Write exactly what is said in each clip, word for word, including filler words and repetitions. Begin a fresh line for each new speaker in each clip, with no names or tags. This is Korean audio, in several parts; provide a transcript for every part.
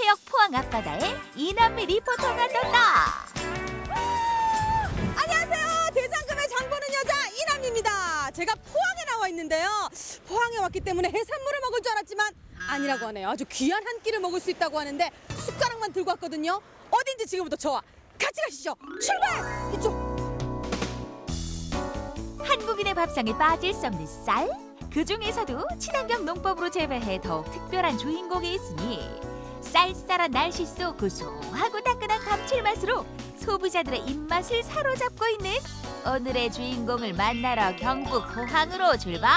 해역 포항 앞바다에 이남미 리포터가 떴다.
안녕하세요. 대장금의 장보는 여자 이남입니다. 제가 포항에 나와 있는데요. 포항에 왔기 때문에 해산물을 먹을 줄 알았지만 아니라고 하네요. 아주 귀한 한 끼를 먹을 수 있다고 하는데 숟가락만 들고 왔거든요. 어딘지 지금부터 저와 같이 가시죠. 출발! 이쪽.
한국인의 밥상에 빠질 수 없는 쌀. 그 중에서도 친환경 농법으로 재배해 더욱 특별한 주인공이 있으니 쌀쌀한 날씨 속 고소하고 따끈한 감칠맛으로 소비자들의 입맛을 사로잡고 있는 오늘의 주인공을 만나러 경북 포항으로 출발!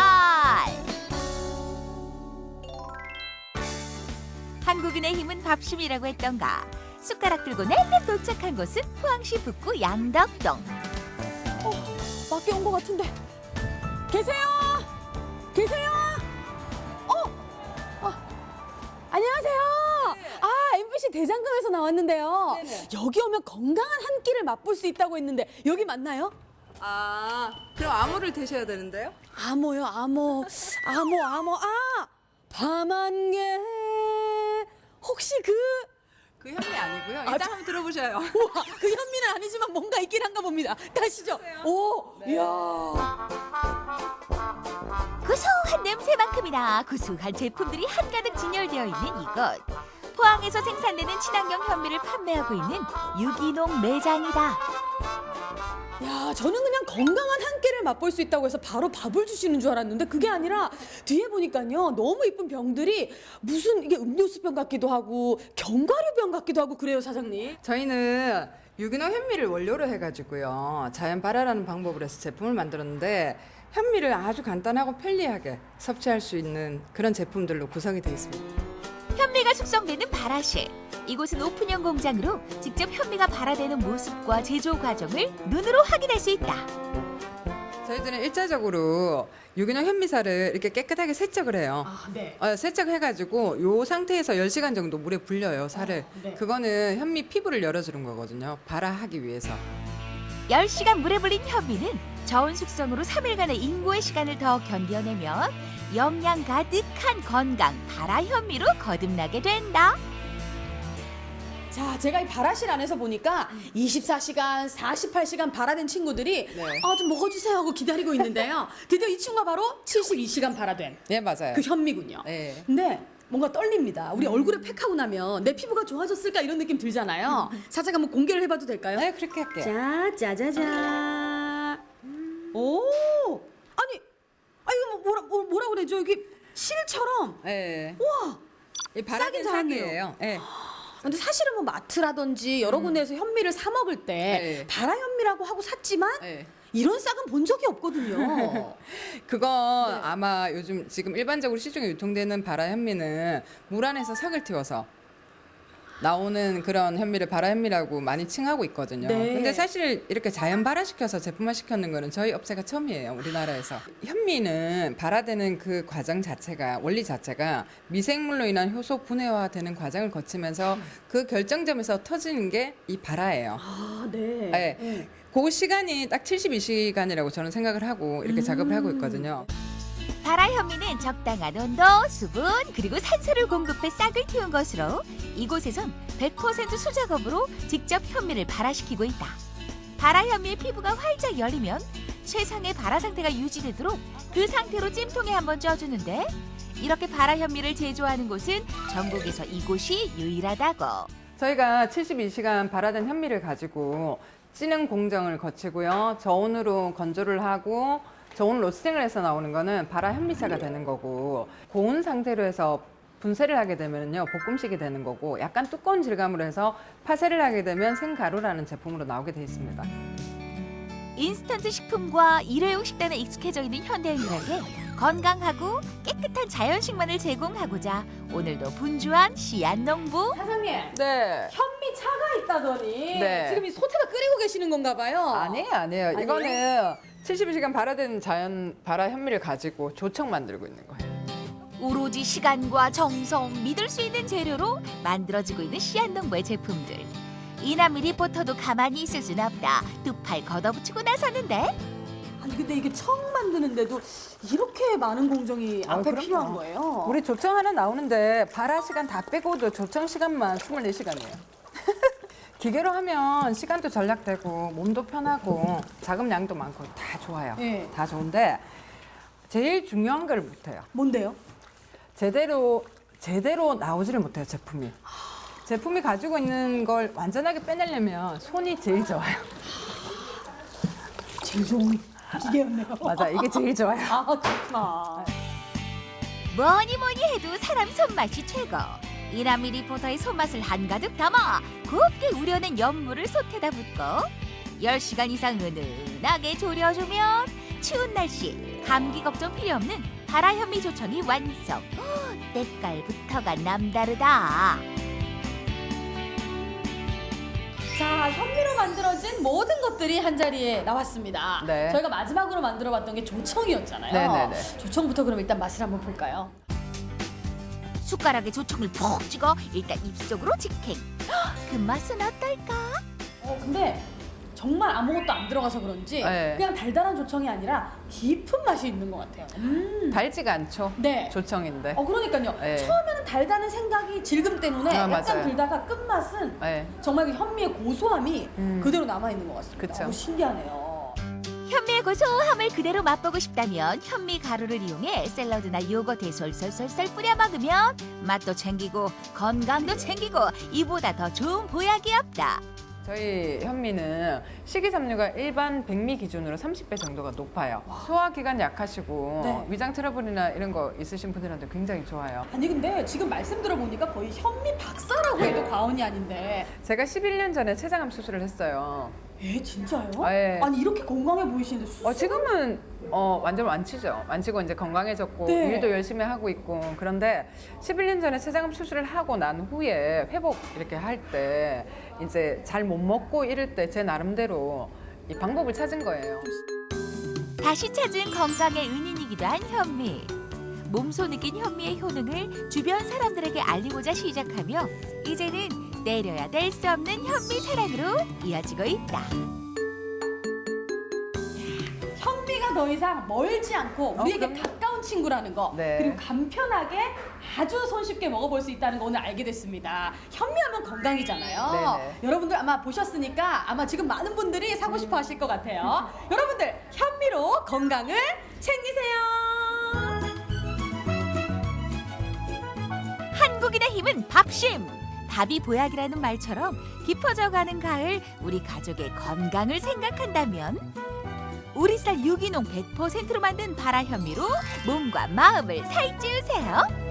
한국인의 힘은 밥심이라고 했던가 숟가락 들고 낼름 도착한 곳은 포항시 북구 양덕동.
어, 밖에 온 것 같은데. 계세요? 계세요? 어? 어. 안녕하세요. 아, 엠비씨 대장금에서 나왔는데요.
네네.
여기 오면 건강한 한 끼를 맛볼 수 있다고 했는데 여기 맞나요?
아, 그럼 아무를 드셔야 되는데요?
암호요, 암호. 암호, 암호. 아! 밤안개. 혹시 그
그 현미 아니고요.
아,
일단
저-
한번 들어보셔요.
우와, 그 현미는 아니지만 뭔가 있긴 한가 봅니다. 가시죠.
가세요.
오,
네.
이야.
고소한 냄새만큼이나 구수한 제품들이 한가득 진열되어 있는 이곳. 포항에서 생산되는 친환경 현미를 판매하고 있는 유기농 매장이다.
야, 저는 그냥 건강한 한 끼를 맛볼 수 있다고 해서 바로 밥을 주시는 줄 알았는데 그게 아니라 뒤에 보니까요. 너무 이쁜 병들이 무슨 이게 음료수병 같기도 하고 견과류병 같기도 하고 그래요, 사장님.
저희는 유기농 현미를 원료로 해가지고요. 자연 발화라는 방법으로 해서 제품을 만들었는데 현미를 아주 간단하고 편리하게 섭취할 수 있는 그런 제품들로 구성이 되어 있습니다.
현미가 숙성되는 발화실. 이곳은 오픈형 공장으로 직접 현미가 발화되는 모습과 제조 과정을 눈으로 확인할 수 있다.
저희들은 일차적으로 유기농 현미살을 이렇게 깨끗하게 세척을 해요.
아, 네.
어, 세척해가지고 요 상태에서 열 시간 정도 물에 불려요, 살을.
네.
그거는 현미 피부를 열어주는 거거든요. 발화하기 위해서.
열 시간 물에 불린 현미는 저온 숙성으로 삼 일간의 인고의 시간을 더 견뎌내면 영양 가득한 건강 발화 현미로 거듭나게 된다.
자, 제가 이 발화실 안에서 보니까 이십사 시간, 사십팔 시간 발화된 친구들이
네.
아, 좀 먹어주세요 하고 기다리고 있는데요. 드디어 이 친구가 바로 칠십이 시간 발화된
네, 맞아요.
그 현미군요.
네.
근데 뭔가 떨립니다. 우리 얼굴에 팩하고 나면 내 피부가 좋아졌을까 이런 느낌 들잖아요. 살짝 한번 공개를 해봐도 될까요?
네, 그렇게 할게요.
자, 짜자자. 오, 아니, 아 이거 뭐 뭐라 뭐, 뭐라 그러죠? 여기 실처럼.
네.
우와.
이 발화된
싸긴 잘하네요.
싹이에요. 네.
근데 사실은 뭐 마트라든지 여러 군데에서 현미를 사 먹을 때
네.
발화 현미라고 하고 샀지만
네.
이런 싹은 본 적이 없거든요.
그거
네.
아마 요즘 지금 일반적으로 시중에 유통되는 발화 현미는 물 안에서 삭을 틔워서 나오는 그런 현미를 발화 현미라고 많이 칭하고 있거든요.
네.
근데 사실 이렇게 자연 발화시켜서 제품화 시켰는 거는 저희 업체가 처음이에요, 우리나라에서. 현미는 발화되는 그 과정 자체가, 원리 자체가 미생물로 인한 효소 분해화되는 과정을 거치면서 그 결정점에서 터지는 게 이 발화예요.
아, 네.
네.
네.
그 시간이 딱 칠십이 시간이라고 저는 생각을 하고 이렇게
음.
작업을 하고 있거든요.
발화 현미는 적당한 온도, 수분, 그리고 산소를 공급해 싹을 틔운 것으로 이곳에선 백 퍼센트 수작업으로 직접 현미를 발화시키고 있다. 발화 현미의 피부가 활짝 열리면 최상의 발화 상태가 유지되도록 그 상태로 찜통에 한번 쪄주는데 이렇게 발화 현미를 제조하는 곳은 전국에서 이곳이 유일하다고.
저희가 칠십이 시간 발화된 현미를 가지고 찌는 공정을 거치고요. 저온으로 건조를 하고 저온 로스팅을 해서 나오는 거는 발화 현미차가 되는 거고, 고온 상태로 해서 분쇄를 하게 되면요 볶음식이 되는 거고, 약간 두꺼운 질감으로 해서 파쇄를 하게 되면 생가루라는 제품으로 나오게 돼 있습니다.
인스턴트 식품과 일회용 식단에 익숙해져 있는 현대인들에게 건강하고 깨끗한 자연식만을 제공하고자 오늘도 분주한 씨앗농부.
사장님.
네.
현미 차가 있다더니
네.
지금 이 소태가 끓이고 계시는 건가 봐요.
아니에요, 아니에요.
아니에요?
이거는 칠십이 시간 발화된 자연 발화 현미를 가지고 조청 만들고 있는 거예요.
오로지 시간과 정성, 믿을 수 있는 재료로 만들어지고 있는 씨앗농부의 제품들. 이남미 리포터도 가만히 있을 순 없다. 두 팔 걷어붙이고 나섰는데
아니 근데 이게 청 만드는데도 이렇게 많은 공정이
아,
앞에
그럼요.
필요한 거예요?
우리 조청 하나 나오는데 발화 시간 다 빼고도 조청 시간만 이십사 시간이에요. 기계로 하면 시간도 절약되고 몸도 편하고 자금량도 많고 다 좋아요.
네.
다 좋은데 제일 중요한 걸 못해요.
뭔데요?
제대로 제대로 나오지를 못해요, 제품이. 제품이 가지고 있는 걸 완전하게 빼내려면 손이 제일 좋아요.
제일 좋은 기계였네요.
맞아, 이게 제일 좋아요.
아 그렇구나.
뭐니 뭐니 해도 사람 손맛이 최고. 이남미 리포터의 손맛을 한가득 담아 곱게 우려낸 연물을 솥에다 붓고 열 시간 이상 은은하게 졸여주면 추운 날씨 감기 걱정 필요 없는 발화 현미 조청이 완성. 헉, 때깔부터가 남다르다.
자, 현미로 만들어진 모든 것들이 한 자리에 나왔습니다.
네.
저희가 마지막으로 만들어봤던 게 조청이었잖아요.
네네네.
조청부터 그럼 일단 맛을 한번 볼까요?
숟가락에 조청을 푹 찍어 일단 입속으로 직행. 헉, 그 맛은 어떨까?
어, 근데 정말 아무것도 안 들어가서 그런지
네.
그냥 달달한 조청이 아니라 깊은 맛이 있는 것 같아요. 음.
달지가 않죠.
네.
조청인데.
어, 그러니까요.
네.
처음에는 달다는 생각이 질금 때문에
아,
약간
맞아요.
들다가 끝맛은
네.
정말 그 현미의 고소함이
음.
그대로 남아있는 것 같습니다.
그쵸.
너무 신기하네요.
현미의 고소함을 그대로 맛보고 싶다면 현미 가루를 이용해 샐러드나 요거트에 솔솔솔솔 뿌려 먹으면 맛도 챙기고 건강도 챙기고 이보다 더 좋은 보약이 없다.
저희 현미는 식이섬유가 일반 백미 기준으로 삼십 배 정도가 높아요. 소화기관 약하시고
네.
위장 트러블이나 이런 거 있으신 분들한테 굉장히 좋아요.
아니 근데 지금 말씀 들어보니까 거의 현미 박사라고 해도 과언이 아닌데
제가 십일 년 전에 췌장암 수술을 했어요.
에 진짜요?
네.
아니 이렇게 건강해 보이시는데 수술?
어, 지금은 어, 완전 완치죠. 완치고 이제 건강해졌고
네.
일도 열심히 하고 있고 그런데 십일 년 전에 췌장암 수술을 하고 난 후에 회복 이렇게 할 때 이제 잘 못 먹고 이럴 때 제 나름대로 이 방법을 찾은 거예요.
다시 찾은 건강의 은인이기도 한 현미. 몸소 느낀 현미의 효능을 주변 사람들에게 알리고자 시작하며 이제는 내려야 될 수 없는 현미 사랑으로 이어지고 있다.
현미가 더 이상 멀지 않고
어,
우리에게
그럼요.
가까운 친구라는 거
네.
그리고 간편하게 아주 손쉽게 먹어볼 수 있다는 거 오늘 알게 됐습니다. 현미하면 건강이잖아요.
네네.
여러분들 아마 보셨으니까 아마 지금 많은 분들이 사고 싶어 하실 것 같아요. 여러분들 현미로 건강을 챙기세요.
한국인의 힘은 밥심. 밥이 보약이라는 말처럼 깊어져가는 가을 우리 가족의 건강을 생각한다면 우리 쌀 유기농 백 퍼센트로 만든 발화 현미로 몸과 마음을 살찌우세요.